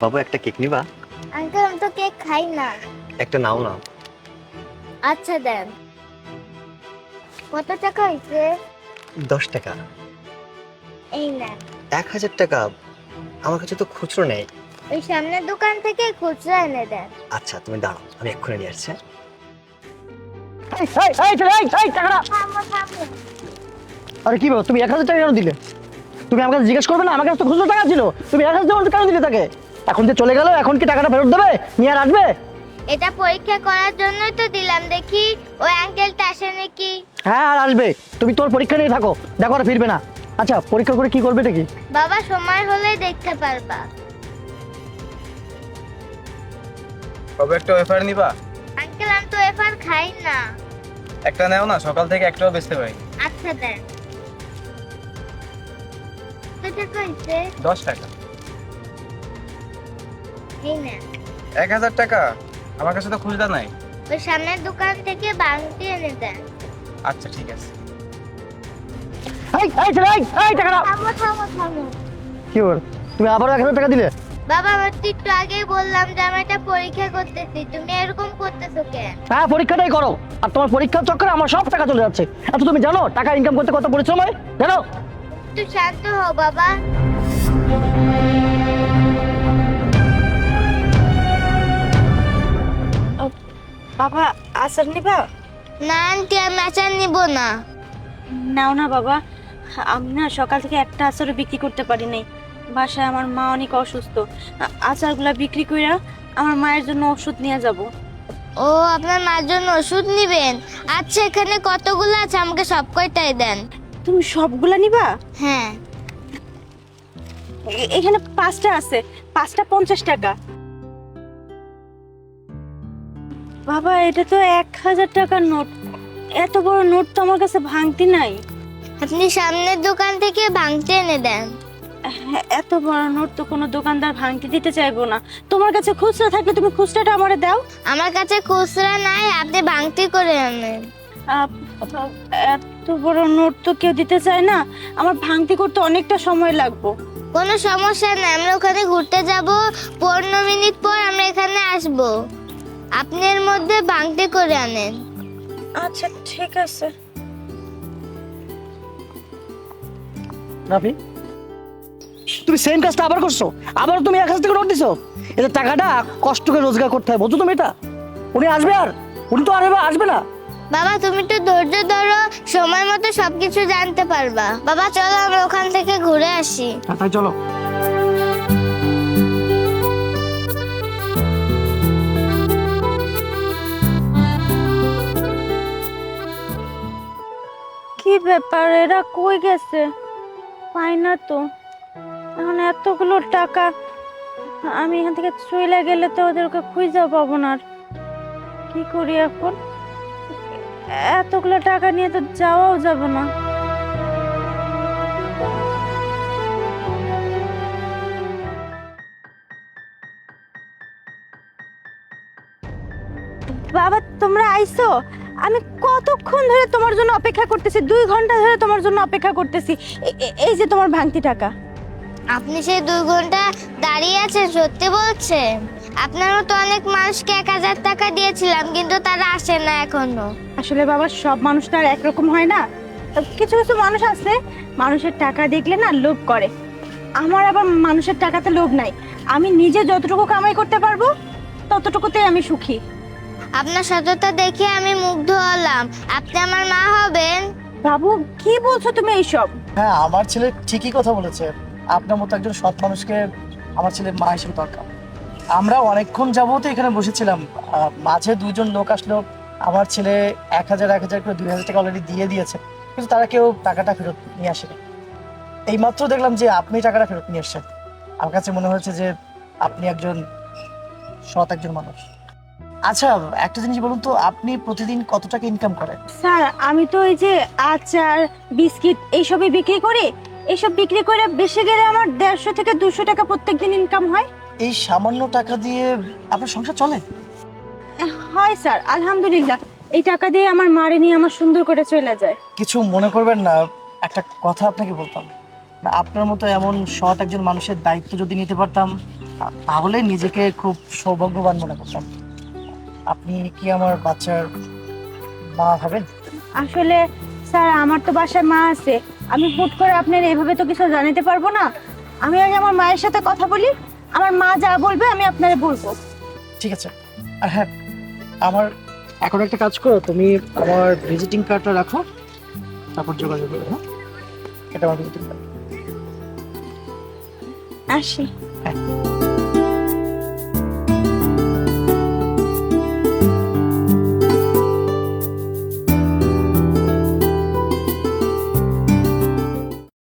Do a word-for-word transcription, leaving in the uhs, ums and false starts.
বাবু একটা কেক নিবা? আঙ্কেল আমি তো কেক খাই না। একটা নাও না। আচ্ছা দেন। কত টাকা হয়েছে? দশ টাকা। এই না, এক হাজার টাকা? আমার কাছে তো খুচরো নেই। ওই সামনের দোকান থেকে খুচরা এনে দেন। আচ্ছা তুমি দাঁড়াও, আমি এক্ষুনি নিয়ে আসছি। এই, এই, এই, ছেলে, এই, এই, টাকাটা। থামো থামো। আরে কি ব্যাপার, তুমি এক হাজার টাকা কেন দিলে? তুমি আমার কাছে জিজ্ঞেস করবে না? আমার কাছে তো খুচরো টাকা ছিল, তুমি এক হাজার টাকা কেন দিলে তাকে? এখন যে চলে গেল, এখন কি টাকাটা ফেরত দেবে? নিয়ে আর আসবে? এটা পরীক্ষা করার জন্যই তো দিলাম, দেখি ওই আঙ্কেলটা আসে নাকি। হ্যাঁ, আর আসবে। তুমি তোর পরীক্ষা নিয়ে থাকো, দেখো আর ফিরবে না। আচ্ছা, পরীক্ষা করে কি করবে এটা কি? বাবা সময় হলেই দেখতে পারবা। কবে একটা ওয়েফার নিবা? আঙ্কেল আমি তো এফার খাই না। একটা নেও না, সকাল থেকে একটাও বেচতে পারি। আচ্ছা দেন। কত টাকা হয়েছে? দশ টাকা। এই না, এক হাজার টাকা? আমার কাছে তো খুচরা নাই। ওই সামনের দোকান থেকে বাংটি এনে দেন। আচ্ছা ঠিক আছে। এই, এই, ছেলে, এই, এই, টাকাটা। থামো থামো থামো। কি ব্যাপার, তুমি আবারও এক হাজার টাকা দিলে? বাবা আমি তো একটু আগেই বললাম যে আমি একটা পরীক্ষা করতেছি, তুমি এরকম করতেছো কেন? হ্যাঁ, পরীক্ষাটাই করো। আর তোমার পরীক্ষার চক্করে আমার সব টাকা চলে যাচ্ছে। আচ্ছা, তুমি জানো টাকা ইনকাম করতে কত পরিশ্রম হয়? জানো? একটু শান্ত হও বাবা। বাবা, আচার নিবা? না আন্টি আমি আচার নিব না। নাও না বাবা, আমি না সকাল থেকে একটা আচারও বিক্রি করতে পারি নাই। বাসায় আমার মা অনেক অসুস্থ। আ- আচারগুলা বিক্রি কইরা আমার মায়ের জন্য ওষুধ নিয়ে যাব। ও আপনার মার জন্য ওষুধ নিবেন? আচ্ছা এখানে কতগুলো আছে আমাকে সব কয়টাই দেন। তুমি সবগুলা নিবা? হ্যাঁ। এ- এখানে পাঁচটা আছে, পাঁচটা পঞ্চাশ টাকা। বাবা এটা তো এক হাজার টাকার নোট। এত বড় নোট তো আমার কাছে ভাঙতি নাই। আপনি সামনের দোকান থেকে ভাঙতে এনে দেন। হ্যাঁ, এত বড় নোট তো কোনো দোকানদার ভাঙতি দিতে চাইবো না। তোমার কাছে খুচরা থাকলে তুমি খুচরাটা আমারে দাও। আমার কাছে খুচরা নাই, আপনি ভাঙতি করে আনেন। আপ- এত বড় নোট তো কেউ দিতে চায় না। আমার ভাঙতি করতে অনেকটা সময় লাগবে। কোনো সমস্যা নাই, আমরা ওখানে ঘুরতে যাব, পনেরো মিনিট পর আমরা এখানে আসব। আপনি এর মধ্যে ভাঙতি করে আনেন। আচ্ছা ঠিক আছে। রাফি, তুমি সেম কাজটা আবার করছো? আবার তুমি এক হাজার টাকা নোট দিছো? এতে টাকাটা কষ্ট করে রোজগার করতে হয়, বুঝছো তুমি এটা? উনি আসবে? আর উনি তো আর এবার আসবে না। বাবা তুমি তো ধৈর্য ধরো, সময় মতো সবকিছু জানতে পারবা। বাবা চলো আমরা ওখান থেকে ঘুরে আসি। হ্যাঁ, তাই চলো। কি ব্যাপার, এরা কই গেছে? পাই না তো। এখন এতগুলো টাকা আমি এখান থেকে চলে গেলে তো ওদেরকে খুঁজে পাবো না। আর কি করি এখন? এতগুলো টাকা নিয়ে তো যাওয়াও যাবে না। বাবা তোমরা আইছো? আমি কতক্ষণ ধরে তোমার জন্য অপেক্ষা করতেছি, দুই ঘন্টা ধরে তোমার জন্য অপেক্ষা করতেছি। এ- এ- এই যে তোমার ভাঙতি টাকা। আপনি সেই দুই ঘন্টা দাঁড়িয়ে আছেন সত্যি বলছেন? আপনারও তো অনেক মানুষকে এক হাজার টাকা দিয়েছিলাম কিন্তু তারা আসে না এখনো। আসলে বাবা সব মানুষ তো আর একরকম হয় না। কিছু কিছু মানুষ আছে মানুষের টাকা দেখলে না লোভ করে। আমার আবার মানুষের টাকাতে লোভ নাই। আমি নিজে যতটুকু কামাই করতে পারবো ততটুকুতেই আমি সুখী। আপনার সততা দেখে আমি মুগ্ধ হলাম। আপনি আমার মা হবেন? বাবু কি বলছো তুমি এইসব? হ্যাঁ, আমার ছেলে ঠিকই কথা বলেছে। আপনার মতো একজন সৎ মানুষকে আমার ছেলের মা হিসেবে দরকার। আমরা অনেকক্ষণ যাবত এখানে বসেছিলাম, আহ, মাঝে দুইজন লোক আসলো। আমার ছেলে এক হাজার এক হাজার করে দুই হাজার টাকা অলরেডি দিয়ে দিয়েছে, কিন্তু তারা কেউ টাকাটা ফেরত নিয়ে আসেনি। এইমাত্র দেখলাম যে আপনি টাকাটা ফেরত নিয়ে এসেছেন। আমার কাছে মনে হয়েছে যে আপনি একজন সৎ একজন মানুষ। আচ্ছা, একটা জিনিস বলুন তো, আপনি প্রতিদিন কত টাকা ইনকাম করেন? স্যার আমি তো এই যে আচার বিস্কিট এইসবই বিক্রি করি। এইসব বিক্রি করে বেশি গেলে আমার দেড়শো থেকে দুশো টাকা প্রত্যেকদিন ইনকাম হয়। এই সামান্য টাকা দিয়ে আপনার সংসার চলে? হয় স্যার, আলহামদুলিল্লাহ। এই টাকা দিয়ে আমার মারে নিয়ে আমার সুন্দর করে চলে যায়। কিছু মনে করবেন না, একটা কথা আপনাকে বলতাম। না, আপনার মতো এমন সৎ একজন মানুষের দায়িত্ব যদি নিতে পারতাম তাহলে নিজেকে খুব সৌভাগ্যবান মনে করতাম। আপনি কি আমার বাচ্চার মা হবেন? আসলে স্যার আমার তো বাসায় মা আছে, আমি হুট করে আপনার এইভাবে তো কিছু জানাতে পারবো না। আমি আগে আমার মায়ের সাথে কথা বলি, আমার মা যা বলবে আমি আপনারে বলবো। ঠিক আছে। আর হ্যাঁ, আমার এখন একটা কাজ করো, তুমি আমার ভিজিটিং কার্ডটা রাখো, তারপর যোগাযোগ করো। হ্যাঁ, এটা আমার ভিজিটিং কার্ড। আসি। হ্যাঁ।